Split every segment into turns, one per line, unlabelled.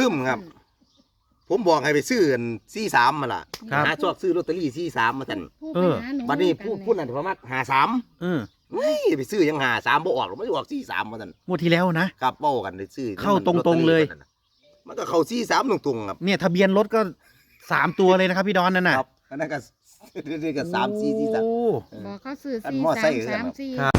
ลืมครับผมบอกให้ไปซื้อ43มาล่ะหาชอบซื้อลอตเตอรี่43มาสั่นบัดนี้พูดนั่นประมาณ53เฮ้ยไปซื้อยัง53บ่ออกหรอกมันออก43มาสั่น
งวดที่แล้วนะครับ
เว้ากันได้ซื้อ
เข้าตรงๆเลย
มันก็เข้า43ตรงๆครับ
เนี่ยทะเบียนรถก็3ตัวเลยนะครับพี่ดอนนั่นน่ะ
ครับอันนั้นก็นี่ก็3 4 4 3
บอกเขาซื้อ4334
ครับ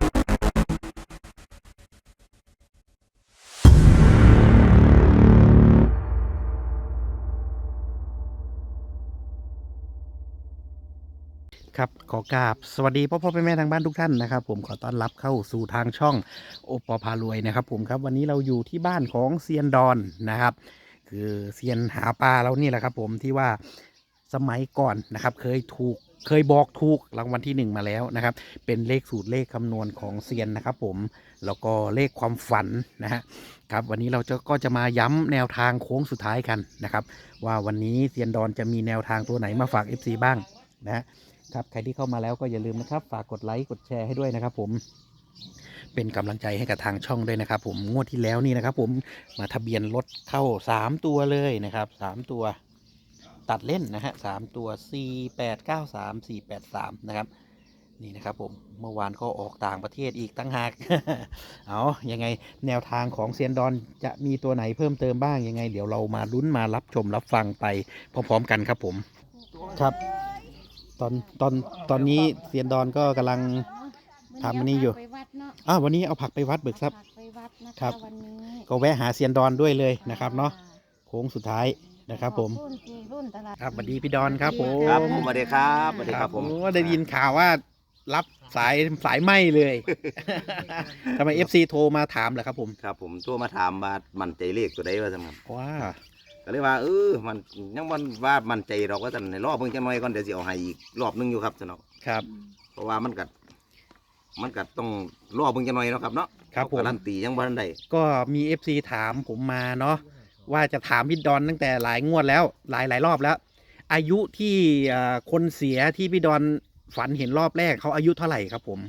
ครับขอกราบสวัสดีพ่อแม่ทางบ้านทุกท่านนะครับผมขอต้อนรับเข้าสู่ทางช่องโอปอพารวยนะครับผมครับวันนี้เราอยู่ที่บ้านของเซียนดอนนะครับคือเซียนหาปลาเรานี่แหละครับผมที่ว่าสมัยก่อนนะครับเคยบอกถูกรางวัลที่1มาแล้วนะครับเป็นเลขสูตรเลขคำนวณของเซียนนะครับผมแล้วก็เลขความฝันนะฮะครับวันนี้เราก็จะมาย้ำแนวทางโค้งสุดท้ายกันนะครับว่าวันนี้เซียนดอนจะมีแนวทางตัวไหนมาฝาก FC บ้างนะฮะครับใครที่เข้ามาแล้วก็อย่าลืมนะครับฝากกดไลค์กดแชร์ให้ด้วยนะครับผมเป็นกำลังใจให้กับทางช่องด้วยนะครับผมงวดที่แล้วนี่นะครับผมมาทะเบียนรถเข้า3ตัวเลยนะครับ3ตัวตัดเล่นนะฮะ3ตัว4893 483นะครับนี่นะครับผมเมื่อวานก็ออกต่างประเทศอีกตั้งหาก เอายังไงแนวทางของเซียนดอนจะมีตัวไหนเพิ่มเติมบ้างยังไงเดี๋ยวเรามาลุ้นมารับชมรับฟังไปพร้อมๆกันครับผมครับตอนนี้เซียนดอนก็กำลังทำอันนี้อยู่วันนี้เอาผักไปวัดเบิกทรัพย์ครับก็แวะหาเซียนดอนด้วยเลยนะครับเนาะโค้งสุดท้ายนะครับผมครับสวัสดีพี่ดอนครับผม
ครับสวัสดีครับสวัสดีครับผม
ได้ยินข่าวว่ารับสายไหมเลยทำไม FC โทรมาถามเหรอครับผม
ครับผมโทรมาถามว่ามันใจเลขตัวใดว่าจังครับ
ว้า
ก็เลยว่ามันยังว่ามันใจเราก็จะในรอบเพิ่งจะน้อยก่อนเดี๋ยวจะเอาให้อีกรอบนึงอยู่ครับสนอก
ครับ
เพราะว่ามันกัดต้องรอบเพิ่งจะน้อยเนาะครับเนาะ
ครับผม
การันตียังบ่ทันได้
ก็มี FC ถามผมมาเนาะว่าจะถามพี่ดอนตั้งแต่หลายงวดแล้วหลายรอบแล้วอายุที่คนเสียที่พี่ดอนฝันเห็นรอบแรกเขาอายุเท่าไหร่ครับผม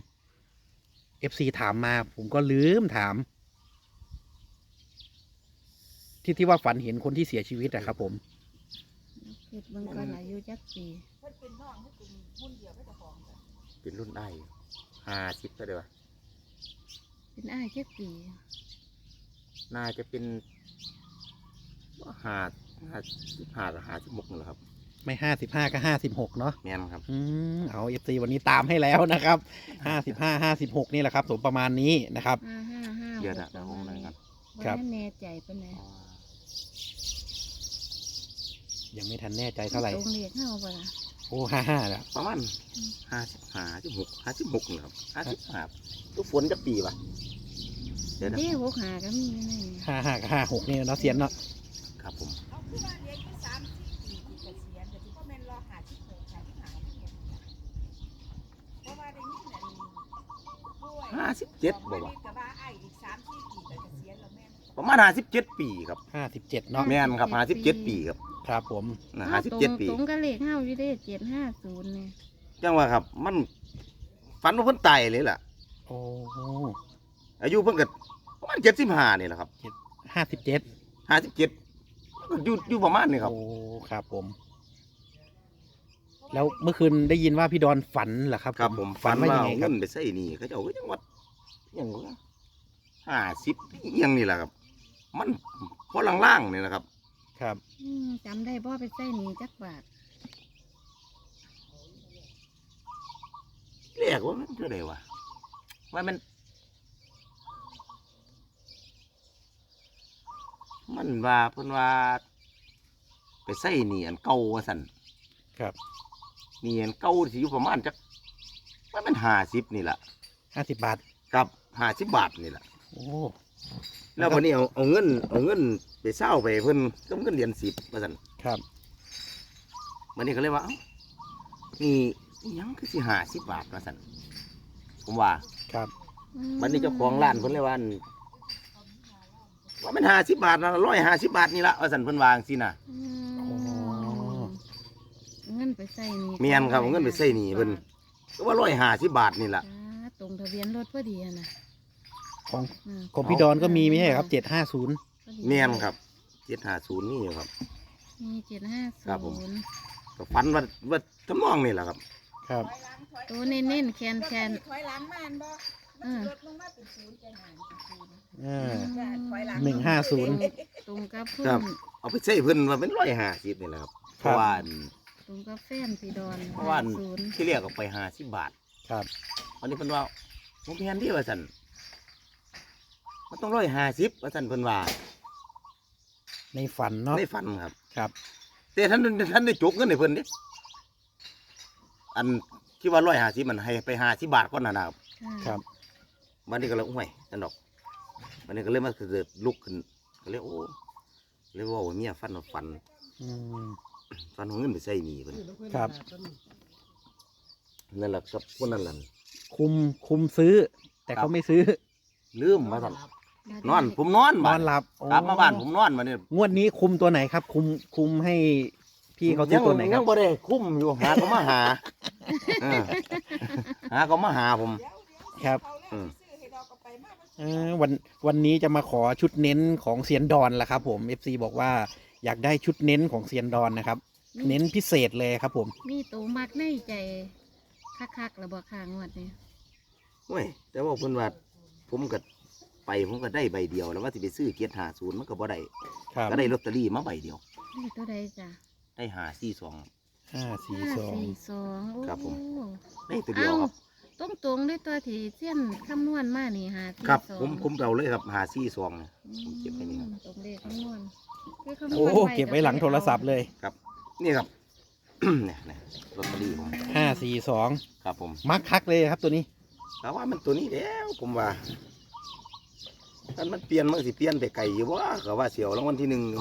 FC ถามมาผมก็ลืมถามที่ว่าฝันเห็นคนที่เสียชีวิตนะครับผม
คิดเบิ่งก่อนอายุจักปี
เป็นรุ่นได้50ก็ได้ว่า
เป็นอ้ายจักปี
น่าจะเป็น55กับ56นี่แหละครับ
ไม่55ก็56เนาะ
แม่นครับ
เอา FC วันนี้ตามให้แล้วนะครับ55 56นี่แหละครับผมประมาณนี้นะครับ
เดี๋ยวนะผมนั่งกัน
ครับแน่ใจปะเนี่ย
ยังไม่ทันแน่ใจเท่าไหร่
ตรงเลขเข้าปะล่ะ
โอ้55แล้ว
ประมาณ56นี่ครับ55ตัวฝนจะปีป่ะ
เดี๋ยว65ก็มีนี่
55กับ56นี่เนาะเสียนเนาะ
ครับผม57บ่วะประมาณ57ปีครับ
57เนาะ
แม่นครับ57ปีครับ
ครับผม
57ปี
ตรงกับเลขเข้าอยู่ได้750เนี่ย
จังว่าครับมันฝันว่าเพิ่นตายเลยล่ะ
โอ้
อายุเพิ่นก็ประมาณ75นี่แหละครับ57อยู่ประมาณนี้ครับ
โอ้ครับผมแล้วเมื่อคืนได้ยินว่าพี่ดอนฝันเหรอครับ
ครับผมฝันว่าเงินไปใส่หนี้เขาเจ้าก็ยังวัดยังว่า50ยังนี่แหละครับมันพอล่างๆนี่แหละครับ
ครับ
จำได้บ่ไปใส่หนี้จักบาท
เรียกว่ามันเท่าไหร่วะว่ามันว่าเพิ่นว่าไปใส่หนี้อันเก่าว่าซั่น
ครับ
หนี้อันเก่าสิอยู่ประมาณจักว่ามัน50นี่แหละ
50 บาท
ครับ50 บาทนี่แหละ
โอ้
แล้ววันนี้เอาเงินไปเศร้าไปเพิ่นก็เงินเหรียญ10ว่าซั่น
ครับ
วันนี้ก็เลยว่านี่ยังคือสิ50 บาทว่าซั่นผมว่า
ครับ
วันนี้เจ้าของร้านเพิ่นเลยว่ามัน50 บาทนะ150 บาทนี่ละว่าซั่นเพิ่นวาจังซี่น่ะ
เงินไปใส่หนี้
แม่นครับเงินไปใส่หนี้เพิ่นก็ว่า150 บาทนี่ล่ะ
ตรงทะเบียนรถพอดีนะ
ของพี่ดอนก็มีไม่ใช่ครับ750
แม่นครับ 750นี่อยู่ครับ
มี750
ครับผม ก็ฝันว่าทำนองนี่แหละครับ
ครับ
ตัวเน้นๆแคน
ถอยหลังมาอันบ่รถลงมาเป็นศูนย์ใจหายเป็นศูนย์ ถอยหลัง
150
ตรงกับเพื่
ครั
อบ น
เอาไปใช้เพิ่นว่าเป็น150นี่แหละครับเพราะว่า
ตรงกับแฟนพี่ดอน
เพราะว่า
50
ที่เรียกออกไป50 บาท
ครับ
วันนี้เพิ่นว่าผมแพนที่ว่าซั่นมันต้อง150ว่าซั่นเพิ่นว่า
ในฝันเนาะ
ในฝันครับ
ครับ
แต่ท่านได้จกเงินให้เพิ่นเด้อันคิดว่า150มันให้ไป50 บาทก่อนน่ะนะครับ
ครับ
วันนี้ก็เลยโอ้ยนั่นดอกวันนี้ก็เลยมาเกิดลุกขึ้นก็เลยโอ้เลยว่าเมียฟันฟัน
อืม
ฟันของเงินไปใส่หนี้เพิ่น
ครับ
นั่นแหละครับคนนั้นแหละ
คุมซื้อ แต่เขาไม่ซื้อ
ลืมมาสั่นนอนผมนอน
น
บ้า
อนหลับโอ้
กลับมาบ้านผมนอนมาเนี่ย
งวดนี้คุมตัวไหนครับ คุมให้พี่เขาซื้อตัวไหนค
ยั
รับ
งบ่ได้คุ้มอยู่หาก็มาหาเออหาก็มาหาผม
ครับ
อืม
วันนี้จะมาขอชุดเน้นของเซียนดอนละครับผม FC บอกว่าอยากได้ชุดเน้นของเซียนดอนนะครับ เน้นพิเศษเลยครับผม
มีตัวมักในใจคักๆแล้วบ่ค้างวดนี้
โอ้ยแต่ว่าเพิ่นว่าผมก็ผมก็ได้ใบเดียวแล้วว่าสิไปซื้อ750มันก็บ่ได้
ครับ
ก็ได้ลอตเตอรี่มาใบเดียว
นี่ตัวใดจ้ะ
ได้542
542
โอ้
ครับผม ได้ตัวเดียวครับ
ตรงๆด้วยตัวที่เส้นคำนวณมานี่542
ครับผมเอาเลยครับ542เนี่ย ผมเก็บไว้นี่ครับ
ตรงเลขคำนวณคือคำนวณ
โอ้เก็บไว้หลังโทรศัพท์เลย
ครับนี่ครับ เนี่ยลอตเตอรี่ผม
542
ครับผม
มักคักเลยครับตัวนี้
แต่ว่ามันตัวนี้แล้วผมว่าถ้ามันเปลี่ยนมันสิเปลี่ยนไปไกลอยู่วะก็ว่าเสียวรางวัลที่หนึ่งอยู่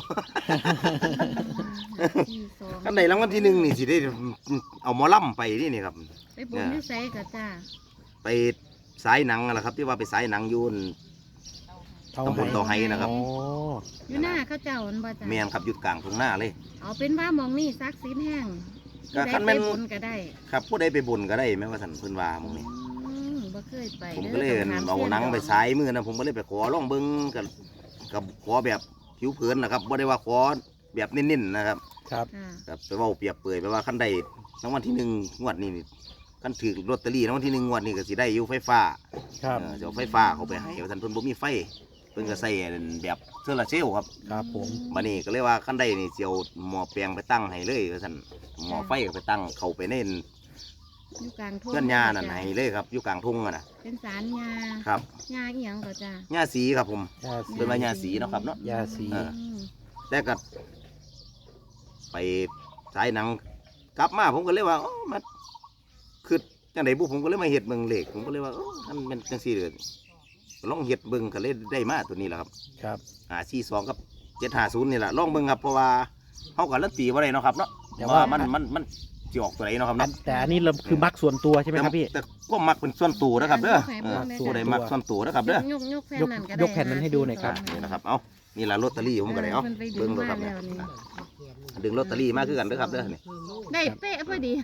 542
คันใดรางวัลที่หนึ่งนี่สิได้เอาหมอลำไปนี่ครับ
ไปบนที่ไสกับจ้า
ไปสายหนังนั่นแหละครับ ที่ว่าไปสายหนังอยูน ตำบลเตาไห้นะครับ
โอ้
อยู่หน้าเข้าเจ้าอันบ่จ้า
แมนครับหยุดกลางตรงหน้าเลย
เอาเป็นว่าหมองนี่ซักซีนแห้ง
ก็คันแม่น
ผู้ใดไปบนก็ได้
ครับผู้ใดไปบุญก็ได้แม้ว่าสันเพิ่นว่าหมองนี้
บ่เคยไป
ผม
ด้
ก็เลย
ต้องถม
เอาหนังไปสายมือนะผมก็เลยไปขอลองเบิ้งกับขอแบบผิวเผินนะครับบ่ได้ว่าขอแบบเน้นๆนะครับ
ครับ
ค่ะ
ครับไปเว่าเปรียบเปรยไปว่าขั้นใดรางวัลที่หนึ่งงวดนี้นี่ขั้นถือลอตเตอรี่รางวัลที่หนึ่งงวดนี้ก็สิได้อยู่ไฟฟ้า
ครับ
จะเอาไฟฟ้าเขาไปให้ว่าท่านเพิ่นบ่มีไฟเพิ่นก็ใส่แบบโซลาร์เซลล์ครับ
ครับผม
บัดนี้ก็เลยว่าขั้นใดนี่สิเอาหม้อแปลงไปตั้งให้เลยว่าท่านหม้อไฟก็ไปตั้งเข้าไปใน
อยู่กลางทุ่ง
เพื่อนยานั่นให้เลยครับอยู่กลางทุ่งอะนะ
เป็นสารยา
ครับ
ยาอีหยังก็จ้า
หญ้าสีครับผม
ยาสี
เป็นว่าหญ้าสีเนาะครับเนาะ
ยาสี
เออ แต่ก็ไปสายหนังกลับมาผมก็เลยว่ามันคือจังไดบุผมก็เลยมาเฮ็ดเบิ่งเลขผมก็เลยว่ามันเป็นจังซี่เลยลองเฮ็ดเบิ่งก็เลยได้มาตัวนี้แหละครับ
ครับ
42กับ750นี่แหละลองเบิ่งครับเพราะว่าเฮาก็ลันตีบ่ได้เนาะครับเนาะ
แต่
แต่
ว่า
ว่ามันสิออกตัวไหนเนาะครับเนาะ
แต่อันนี้เราคือมักส่วนตัวใช่ไหมครับพี่
แต่ก็มักเป็นส่วนตัวนะครับเด้อผู้ใดมักส่วนตัวนะครับเด้อ
ยกแผ่นนั่นก็ได้
ยกแผ่นนั้นให้ดูหน่อยครับ
นี่นะครับเอานี่ล่ะลอตเตอรี่ผมก็ได้เอา
พิ่นไปดึ
เบิ่
ง
งดู
มา
ครับ
แล้
เนี่ยว
นี่
ดึงลอตเตอรี่มาคือกันเด้อครับเด้อนี่
ได้เป๊ะพอดี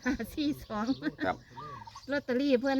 542
ครับ
ลอตเตอรี่เพิ่น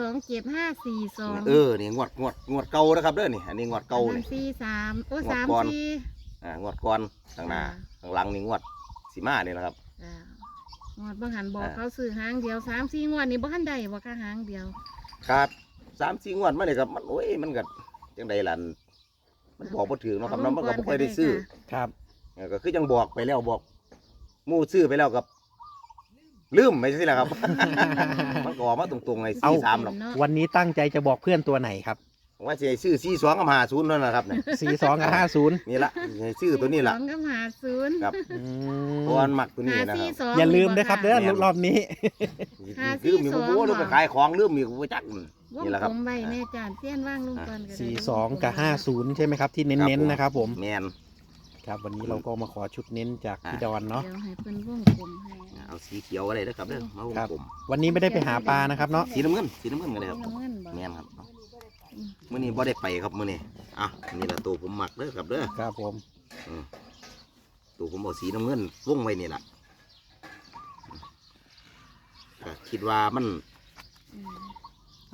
527 542
นี่งวดเก่านะครับเด้อนี่อันนี้งวดเก่านี่
43โอ้
งวดก่อน
34
งวดก่อนข้างหน้าข้างหลังนี่งวดสีมานี่แหละครับ
จ้ะงวดบ่หันบอก
อ่า
เขาซื้อหางเดียว3-4งวดนี่บ่ทันได้บ่ค่ะหางเดียว
ครับ3-4งวดมาเนี่ยครับมันโอ้ยมันก็จังใดล่ะมันบอกบ่ถึงเนาะครับเนาะมันก็บ่ค่อยได้ซื้อ
ครับ
ก็คือยังบอกไปแล้วบอกหมู่ซื้อไปแล้วกับลืมไม่ใช่แหละครับ มันก็ออกมาตรงๆใน
เอา
43หรอก
วันนี้ตั้งใจจะบอกเพื่อนตัวไหนครับ
ว่าสิให้ซื้อ42กับ50นั่นนะครับเนี่ย
42 กับ 50
นี่ละให้ซื้อตัวนี้ล่ะ
42กับ50
ครับ
อื
เพราะว่ามันมักตัวนี้นะครับ
542
อย่าลืมนะครับเด้อ
แม่น
รอบนี้
ลืมมีบ่รู้หรือไปขายของลืมมีบ่จัก
วง
นี่แหละค
ก
รับ
ลมใบแม่จานเสี้ยนว่างลุงก่อนก็ได้
42 กับ 50 ใช่ไหมครับ ที่เน้นๆนะครับผม
แมน
ครับวันนี้เราก็มาขอชุดเน้นจากพี่ดอนเนาะ
เดี๋ยวให้เพิ่นวงกลมให้
เอาสีเขียวอะไรนะครับเด้อมาวง
ครับ
กลม
วันนี้ไม่ได้ไปหาปลานะครับเนาะ
สีน้ำเงินก็ได้ครับ
น้ำเงินบ่
แมนครับมื้อนี้บ่ได้ไปครับมื้อนี้อ่ะนี่ละตัวผมมักเด้อครับเด้อ
ครับผม
ตัวผมเอาสีน้ำเงินวงไว้นี่ล่ะก็คิดว่ามัน
อืม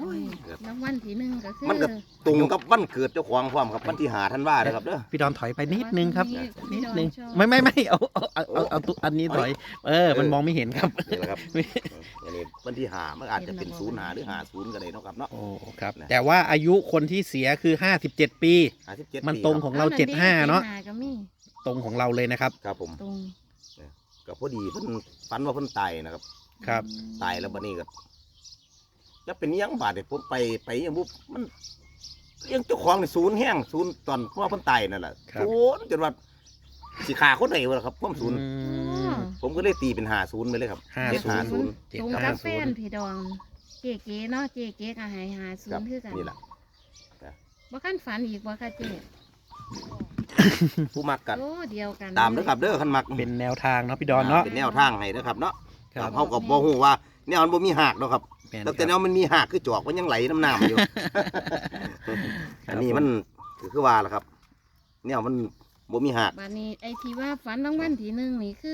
รางวัลที่หนึ่งก็คือ
มันก็ตรงกับวันเกิดเจ้าของพร้อมครับวันที่5ธันวาคมนะครับเด้อ
พี่ดอนถอยไปนิดนึงครับ
พี่
นิด
ดอน
นึง
ชอบ
ไม่เอาตัวอันนี้ถอย มันมองไม่เห็นครับ
นี่แหละครับอันนี้วันที่5มันอาจจะเป็น05หรือ50ก็ได้เนาะครับเนาะ
โอ้ครับแต่ว่าอายุคนที่เสียคือ57 ปี
57
มันตรงของเรา
อ
75เนาะ
75ก็มี
ตรงของเราเลยนะครับ
ครับผม
ตรง
ก็พอดีเพิ่นฝันว่าเพิ่นตายนะครับ
ครับ
ตายแล้วบัดนี้ก็จะเป็นอิหยังบาดเนี่ยผมไปยังบุมันยังเจ้าของนี่ศูนย์แห้งศูนย์ตอนเพราะว่าเพิ่นตายนั่นแหละศูนย์จนว่าสิขาคนไหนวะครับความศูนย์
อืม
ผมก็เลยตีเป็น50ไปเลยครับ
50
ตรงกับแฟนพี่ดองเก๋ๆเนาะเก๋ๆก็ให้50
ครับ
คือกัน
นี่แหละ
บ่คันฝันอีกบ่ค่ะเจ๊
ผู้มักกัน
โอ้เดียวกัน
ตามเด้อครับเด้อคันมัก
เป็นแนวทางเนาะพี่ดอนเนาะ
เป็นแนวทางให้นะครับเนาะ
ครับ
เฮาก็บ่ฮู้ว่าแนวมันบ่มีหากเนาะครับ
แม่น
แต่แนวมันมีหากคือจอกมันยังไหลน้ำน้ำอยู่ อันนี้มันคือว่าล่ะครับแนวมันบ่มีหาก
บัดนี้ไอ้ที่ว่าฝันรางวัลที่หนึ่งนี่คือ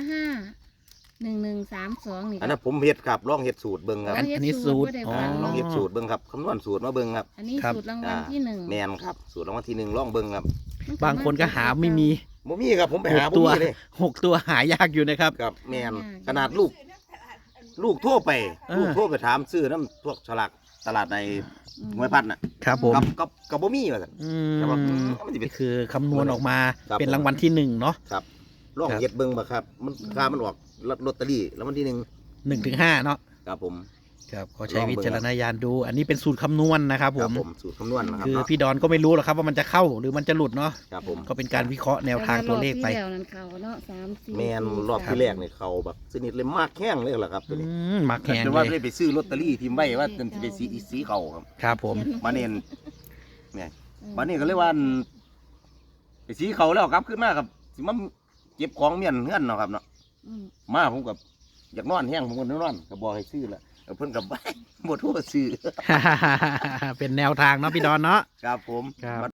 551132นี่
อันนั้นผมเฮ็ดครับลองเฮ็ดสูตรเบิ่งครับ
อันนี้สูตร
บ่ได้
อ๋อ
ฝัน
ลองเฮ็ดสูตรเบิ่งครับคำนวณสูตรมาเบิ่งครับ
อันนี้
ครับ
สูตรรางวัลที่หนึ่ง
แม่นครับสูตรรางวัลที่1ลองเบิ่งครับ
บางคนก็หาไม่มี
บ่มีครับผมไปหา
6
บ่
ตัว
มีเลย
6 ตัวหายากอยู่นะครับ
ครับแม่นขนาดลูกโทรไป
เออ
ลูกโทรไปถามซื้อน้ำพวกฉลากตลาดในห้วยพัดน่ะ
ครับผม
กับบ่มีว่าซั่น
อื
แต่ว่ามันสิเป็
นี่
น
คือคำนวณออกมา
ครับ
เป็นรางวัลที่1เนาะ
ครับลอง
ครับ
เฮ็ดเบิ่งบ่ครับมันค่ามันออกลอตเตอรี่แล้ววันที่1
1 ถึง 5เนาะ
ครับผม
ครับก็ใช้วิจารณญาณดู อันนี้เป็นสูตรคำนวณนะครับผม
สูตรคำนวณนะครับ
คือ
เนาะ
พี่ดอนก็ไม่รู้หรอกครับว่ามันจะเข้าหรือมันจะหลุดเนาะ
ครับผม
ก็เป็นการวิเคราะห์แนวทางตัวเลขไป
รอบที่แล้วนั่นเขาเนาะ3 4
แม่นรอบที่แรกนี่เขาแบบสนิทเลยมากแข้งเลยล่ะครับตัวนี้
มักแข็ง
แต่
เล
ว่าย ได้ไปซื้อลอตเตอรี่ทิมไว้ว่าจะไปสีเขาครับ
ครับผม
มาเน้นเนี่ยมานี่ก็เลยว่าไปสีเขาแล้วครับขึ้นมาครับสิมาเก็บของเมียนเฮือนเนาะครับเนาะ
อืม
มาผมกับอยากนอนแห้งผมก็นอนก็บอกให้ซื้อละเพิ่นกับ บ่โทรซื้อ
เป็นแนวทางเนาะพี่ดอนเนาะ
ครับผม
ครับ